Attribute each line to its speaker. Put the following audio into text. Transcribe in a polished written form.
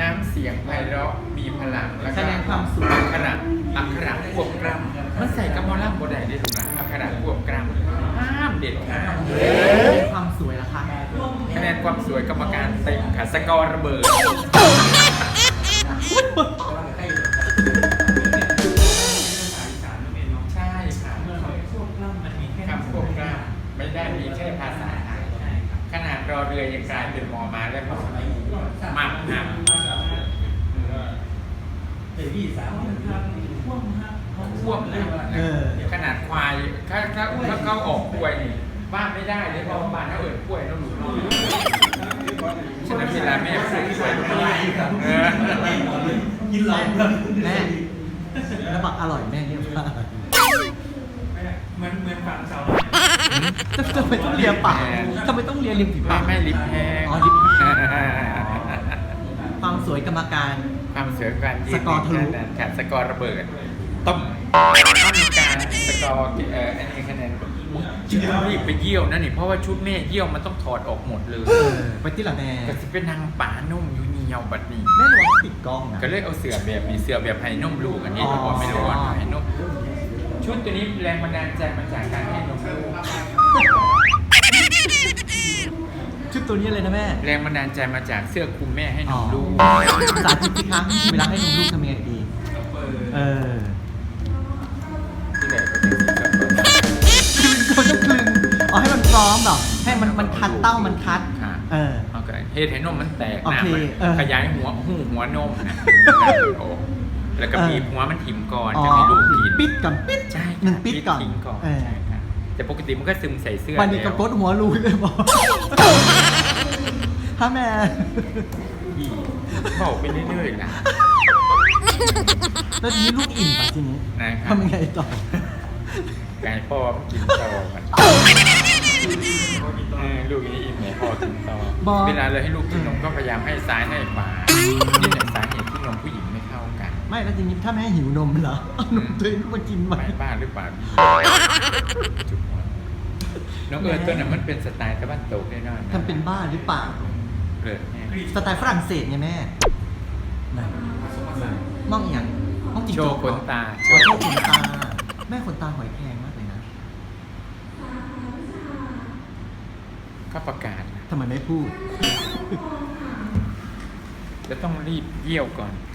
Speaker 1: น้ำเสียงไพเราะมีพลังแล้วก็
Speaker 2: แสดงความสุข
Speaker 1: อักขระควบกล้ำมันใส่กับมอล่ำโบได้ได้ถูกไหมอักขระควบกล้ำห้ามเด็ดขาด
Speaker 2: ความสวยล่ะคะ
Speaker 1: คะแนนความสวยกรรมการเต็มค่ะสกอร์ระเบิดใช่ค่ะคำควบกล้ำไม่ได้มีแค่ภาษาไทยขนาดรอเรือยังกลายเป็นมอมาแล้วมักหักควบนะขนาดควายถ้าเขาออกกล้วยนี่บ้านไม่ได้เลยเพราะบ้านเขาเอิญกล้วยแล้วหนูฉะนั้นเวลาแม่พูดกล้วยไม่ได้
Speaker 2: กินหลอกแม่แล้วบอกอร่อยแม่เนี่ยว่า
Speaker 3: เหมือนฝั่งเสา
Speaker 2: ทำไมต้องเลียปากทำไมต้องเลียริมฝีปาก
Speaker 1: ไม่ลิปแห้ง
Speaker 2: อ๋อลิปแห้งความสวยกรรมการ
Speaker 1: ความเสือการยืน
Speaker 2: สกอร์ทะลุ
Speaker 1: ค่ะสกอร์ระเบิดต้มต้องมีการสกอร์อันนี้คะแนนชุดรีบไปเยี่ยวนั่นนี่เพราะว่าชุดแม่เยี่ยวมันต้องถอดออกหมดเลย
Speaker 2: ไปที่ละแม่
Speaker 1: ก็จะเป็นนางป่านุ่มอยู่เงียวบัดนี้
Speaker 2: แม่ระวังปิดกล้องนะ
Speaker 1: ก็เลยเอาเสือแบบนี้เสือแบบไห้นุ่มลูกอันนี้
Speaker 2: อ๋อ
Speaker 1: บอกไม่รู้ว่าไห้นุ่มชุดตัวนี้แรงบันดาลใจมาจากการให้นมลูก
Speaker 2: ชุดตัวนี้เลยนะแม่
Speaker 1: แรงบันดาลใจมาจากเสื้อคลุมแม่ให้นมลูก
Speaker 2: สาธิตสิคะเวลาให้นมลูกทำยังไงดีเออ
Speaker 1: ที่ไหนก็เป็นสีเสื้อ
Speaker 2: มันต้องคลึงอ๋อให้มันพร้อมหรอให้มันคัดเต้ามันคัด
Speaker 1: ค่ะ
Speaker 2: เออ
Speaker 1: โอเคเฮ็ดให้นมมันแตก
Speaker 2: โอ
Speaker 1: นะ
Speaker 2: เค
Speaker 1: มัน
Speaker 2: เออ
Speaker 1: ขยายหัวนมนะโอ้แล้วก็
Speaker 2: เออ
Speaker 1: บีบหัวมันถิ่มก่อน
Speaker 2: อ๋อ
Speaker 1: จะมีลูกกิน
Speaker 2: ปิดก่อนปิด
Speaker 1: ใช่
Speaker 2: หนึ่งปิดก่อน
Speaker 1: ทิ้งก่อน
Speaker 2: เออ
Speaker 1: ใช่ค่ะแต่ปกติมันก็ซึมใส่เสื้อ
Speaker 2: วันนี้
Speaker 1: แล้
Speaker 2: ก็
Speaker 1: ว
Speaker 2: กดหัวรูเลยบอกฮะแม่
Speaker 1: อีบอกไปเรื่อยๆนะ
Speaker 2: แล้วทีนี้ลูกอิ่มป่ะทีนี้
Speaker 1: นะครับ
Speaker 2: ทำยังไงต่อ
Speaker 1: ไก่พ่อมันกินต่อมันลูกนี้อิ่มไหนพ่อกินต่อ
Speaker 2: บอก
Speaker 1: เวลาเราให้ลูกกินนมก็พยายามให้ซ้ายให้ขวานี่แหละสาเหตุที่นมผู้หญิงไม่เข้ากัน
Speaker 2: ไม่แล้วทีนี้ถ้าแม่หิวนมเหรอเอานมตัวเองมากินไหม
Speaker 1: ไม่บ้าหรือเปล่าจุดหัวน้องเอิญตัวนั้นมันเป็นสไตล์ตะวันตกแน่นอน
Speaker 2: ทำเป็นบ้าหรือเปล่า
Speaker 1: เกิดแน่
Speaker 2: สไตล์ฝรั่งเศสไงแม่นั่นมองอย่างมองจิง
Speaker 1: โช
Speaker 2: โจ้
Speaker 1: ว์ขนตา
Speaker 2: โชว์ขนตา แม่ขนตาหอยแครงมากเลยนะ
Speaker 1: ก็ประกาศนะ
Speaker 2: ทำไมไม่พูด
Speaker 1: จะต้องรีบเยี่ยวก่อน